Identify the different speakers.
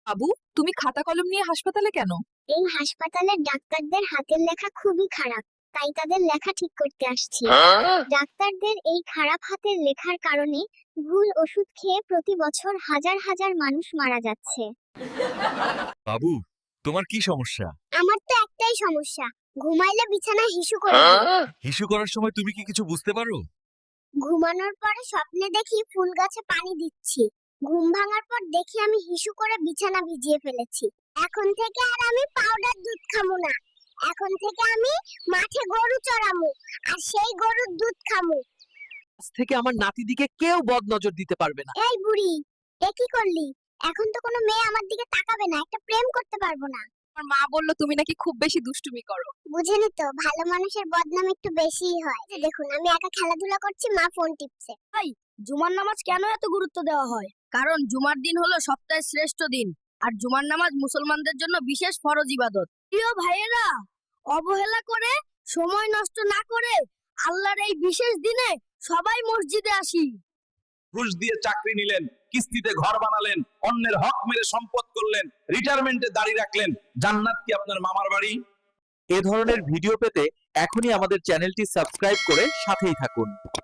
Speaker 1: বাবু, তুমি খাতা কলম নিয়ে হাসপাতালে কেন?
Speaker 2: এই হাসপাতালের ডাক্তারদের হাতের লেখা খুবই খারাপ, তাই তাদের লেখা ঠিক করতে আসছি। ডাক্তারদের এই খারাপ হাতের লেখার কারণে ভুল ওষুধ খেয়ে প্রতি বছর হাজার হাজার মানুষ মারা যাচ্ছে।
Speaker 3: বাবু, তোমার কি সমস্যা?
Speaker 2: আমার তো একটাই সমস্যা, ঘুমাইলে বিছানায় হিসু করে দিই।
Speaker 3: হিসু করার সময় তুমি কি কিছু বুঝতে পারো?
Speaker 2: ঘুমানোর পরে স্বপ্নে দেখি ফুল গাছে পানি দিচ্ছি। ঘুম ভাঙার পর দেখি আমি হিসু করে বিছানা ভিজিয়ে ফেলেছি। এখন থেকে আর আমি পাউডার দুধ খামু না। এখন থেকে আমি মাঠে গরু চড়ামু, আর সেই গরুর দুধ খামু।
Speaker 1: আজ থেকে আমার নাতিদিকে কেউ বদ নজর দিতে পারবে না।
Speaker 2: এই বুড়ি, এ কি করলি? এখন তো কোনো মেয়ে আমার দিকে তাকাবে না, একটা প্রেম করতে পারবো না।
Speaker 1: আমার মা বললো তুমি নাকি খুব বেশি দুষ্টুমি করো।
Speaker 2: বুঝেনি তো, ভালো মানুষের বদনাম একটু বেশিই হয়। এই দেখুন, আমি একা খেলাধুলা করছি, মা ফোন টিপছে।
Speaker 4: জুমার নামাজ কেন এত গুরুত্ব দেওয়া হয়? কারণ জুমার দিন হলো সপ্তাহের শ্রেষ্ঠ দিন, আর জুমার নামাজ মুসলমানদের জন্য বিশেষ ফরজ ইবাদত। প্রিয় ভাইয়েরা, অবহেলা করে, সময় নষ্ট না করে আল্লাহর এই বিশেষ দিনে সবাই মসজিদে আসি।
Speaker 5: ঘুষ দিয়ে চাকরি নিলেন, কিস্তিতে ঘর বানালেন, অন্যের হক মেরে সম্পদ করলেন, রিটায়ারমেন্টে দাঁড়িয়ে রাখলেন, জান্নাত কি আপনার মামার বাড়ি?
Speaker 3: এ ধরনের ভিডিও পেতে এখনই আমাদের চ্যানেলটি সাবস্ক্রাইব করে সাথেই থাকুন।